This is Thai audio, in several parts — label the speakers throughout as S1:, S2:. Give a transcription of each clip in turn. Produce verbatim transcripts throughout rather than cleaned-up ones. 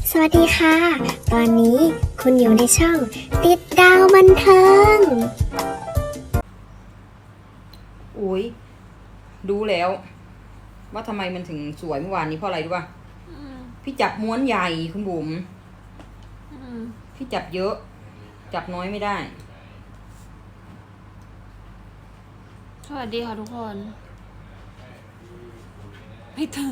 S1: สวัสดีค่ะ ตอนนี้คุณอยู่ในช่องติดดาวบันเทิง
S2: อุ้ยดูแล้วว่าทำไมมันถึงสวยเมื่อวานนี้เพราะอะไรรู้ป่ะพี่จับม้วนใหญ่คุณบุ๋มพี่จับเยอะ จับน้อยไม่ได้
S3: สวัสดีค่ะทุกคนไม่ถึง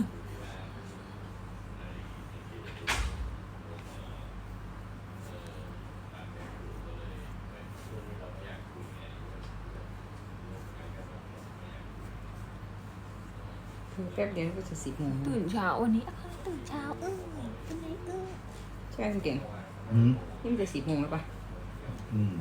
S2: แป๊บเดียวก็จะสิบโมง
S3: ตื่นเช้าวันนี้ตื่นเช้าเออเป็นไงเออ
S2: ใช่ไหมคุณเก่ง
S4: อืม
S2: นี่มันจะสิบโมงแล้วป่ะ
S4: อืม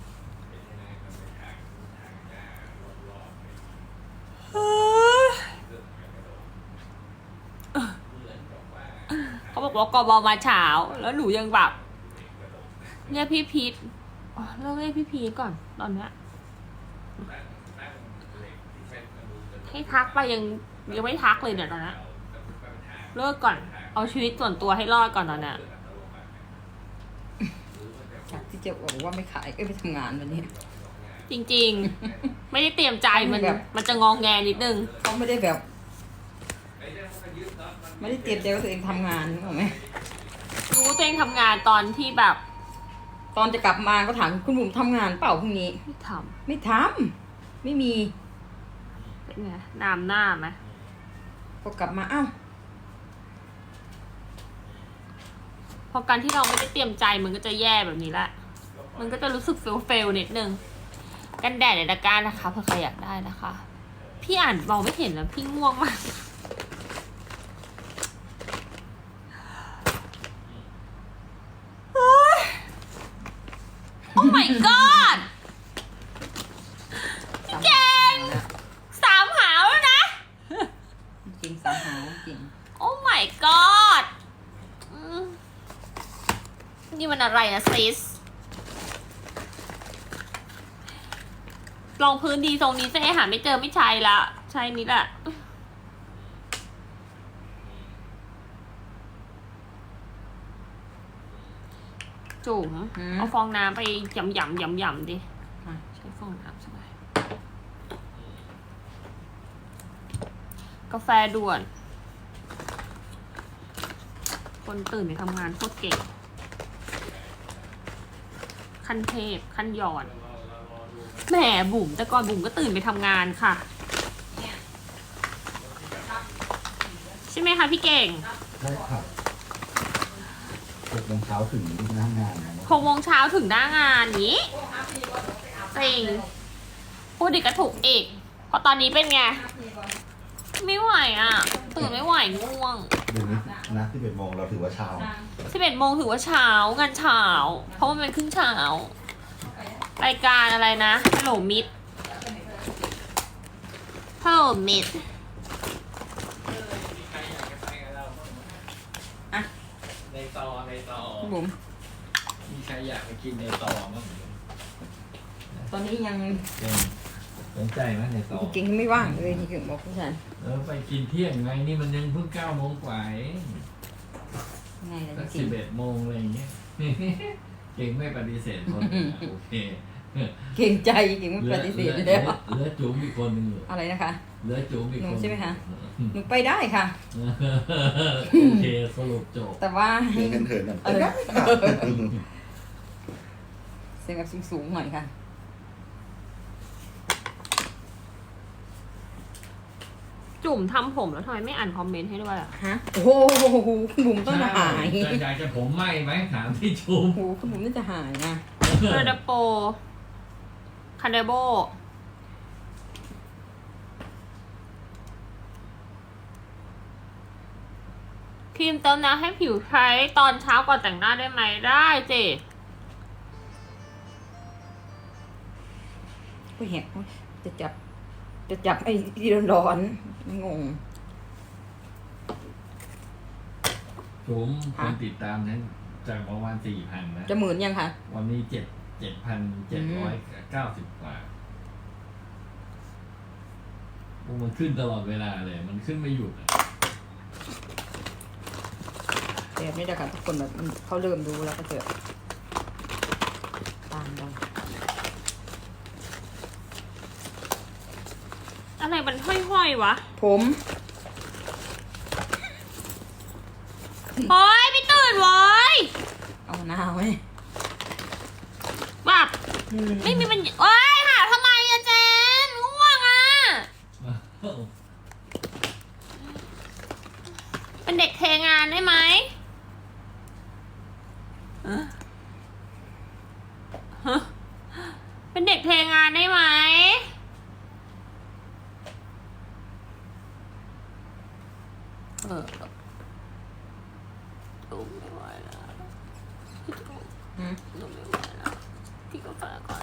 S3: เขาบอกว่ากบมาเช้าแล้วหนูยังแบบเรียกพี่พีทอ๋อเลิกเรียกพี่พีทก่อนตอนเนี้ยให้ทักไปยังยังไม่ทักเลยเนี่ยตอนนี้เลิกก่อนเอาชีวิตส่วนตัวให้รอดก่อนตอนเนี้ย
S2: จากที่จะบอกว่าไม่ขายเอ้ยไปทำงานวันนี้
S3: จริงๆ ไม่ได้เตรียมใจมัน
S2: แบบ
S3: มันจะงองแงนิดนึง
S2: เขาไม่ได้แบบ ไม่ได้เตรียมใจว่าตัวเองทำงานนึกออกไหม
S3: รู้ว่าตัวเองทำงานตอนที่แบบ
S2: ตอนจะกลับมาก็ถามคุณบุ๋มทำงานเปล่าพรุ่งนี้
S3: ไม่ท
S2: ไม่ทำไม่มี
S3: ำเป็นไงน้ำหน้าไหม
S2: พอกลับมาอ้าว
S3: พอการที่เราไม่ได้เตรียมใจมันก็จะแย่แบบนี้แหละ มันก็จะรู้สึกเฟลเฟลนิดนึง กันแดดในตะกร้านะคะเผื่อใครอยากได้นะคะ พี่อ่านมองไม่เห็นแล้วพี่ง่วงมาก โอ้ย Oh my god พี่เก่งสามหาวแล้วนะ
S2: จริงสามหาวจริง
S3: Oh my god อืมนี่มันอะไรนะซิสลองพื้นดีทรงนี้จะให้หาไม่เจอไม่ใช่ละใช่นี้แหละจุ๋มเอาฟองน้ำไปยำยำยำยำดิใช้ฟองน้ำใช่ไหมกาแฟด่วน คนตื่นไปทำงานโคตรเก่ง ขั้นเทพขั้นยอดแหมบุ๋มแต่ก่อนบุ๋มก็ตื่นไปทำงานค่ะ ใช่ไหมคะพี่เก่ง
S4: ใช่ครับหกโมงเช้าถึงหน้างานนะ
S3: หกโมงเช้าถึงหน้างานนี้จริงพูดดิกระถูกอีกเพราะตอนนี้เป็นไง ไม่ไหวอ่ะ ตื่นไม่ไหวง่วง
S4: เดี๋ยวนี้นะที่เป็นโมงเราถือว่าเช้า
S3: สิบเอ็ดโมงถือว่าเช้างานเช้าเพราะว่ามันเป็นครึ่งเช้ารายการอะไรนะ Hello Mid Hello Mid
S2: อ่ะ
S5: ในตอในตอ
S2: คุณบุ๋ม
S5: มีใครอยากไปกินในตอบ้าง
S2: ตอนนี้ยัง
S5: เก่งสนใจไหมในตอ
S2: เก่งไม่ว่างเลยที่เก่งบอกผู้ชาย
S5: เออไปกินเที่ยงไงนี่มันยังเพิ่งเก้าโมงกว่าเอง
S2: ไงล่ะ
S5: สัก
S2: จริ
S5: สิ
S2: ง
S5: บเอ็ดโมงอะไรอย่างเงี้ย เก่งไม่ปฏิเสธคนโอเค
S2: เก่งใจเก่งไม่ปฏิเสธ
S5: เหลือ
S2: แล้ว
S5: เหลือจุ๋มอีกคนหนึ่งอยู่
S2: อะไรนะคะ
S5: เหลือจุ๋มอีก
S2: หนู
S5: คน
S2: ใช่ไหมคะ หนูไปได้ค่ะ
S5: โอเคสรุปจบ
S2: แต่ว่า
S4: เดินกันเถินแบบ
S2: เออเสียงแบบสูงๆหน่อยค่ะ
S3: จุ่มทำผมแล้วทำไมไม่อ่านคอมเมนต์ให้ด้วยอ่ะ
S2: ฮะ โอ้โหคุณบุ๋มต้องจะหาย
S5: จะอยากจะผมไหมไหมถามที่จุ๋ม
S2: โอ้โหคุณบุ๋มน่าจะหายนะ
S3: เรดโปคันเดโบครีมเติมน้ำให้ผิวใช้ตอนเช้าก่อนแต่งหน้าได้ไหมได้เจ
S2: ก็เห็นจะจับ จะจับไอ้ที่ร้อนๆงง
S5: จุ๋มคนติดตามนั้นจากประมาณสี่พันนะ
S2: จะหมื่นยังคะ
S5: วันนี้เจ็ดเจ็ดพันเจ็ดร้อยเก้าสิบกว่ามันขึ้นตลอดเวลาเลย มันขึ้นไม่หยุดอะ
S2: แบบนี้แหละค่ะทุกคนแบบมันเขาเริ่มรู้แล้วก็เจอตามกัน
S3: อะไรมันห้อยๆวะ
S2: ผม
S3: โอ้ยไม่ตื่นเว้ย
S2: เอาหน้าไหม
S3: แบบ
S2: อืม
S3: ไม่มีมันโอ้ยหาทำไมอะเจนง่วงอะเป็นเด็กเทงานได้ไหมฮะเป็นเด็กเทงานได้ไหมเออโอ้ไม่ไหวแล้วพี่โอ้
S2: อืม
S3: หนูไม่ไหวแล้วพี่กาแฟก่อน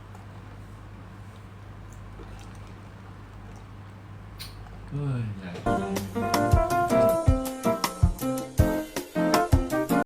S5: เฮ้ยอยากกิน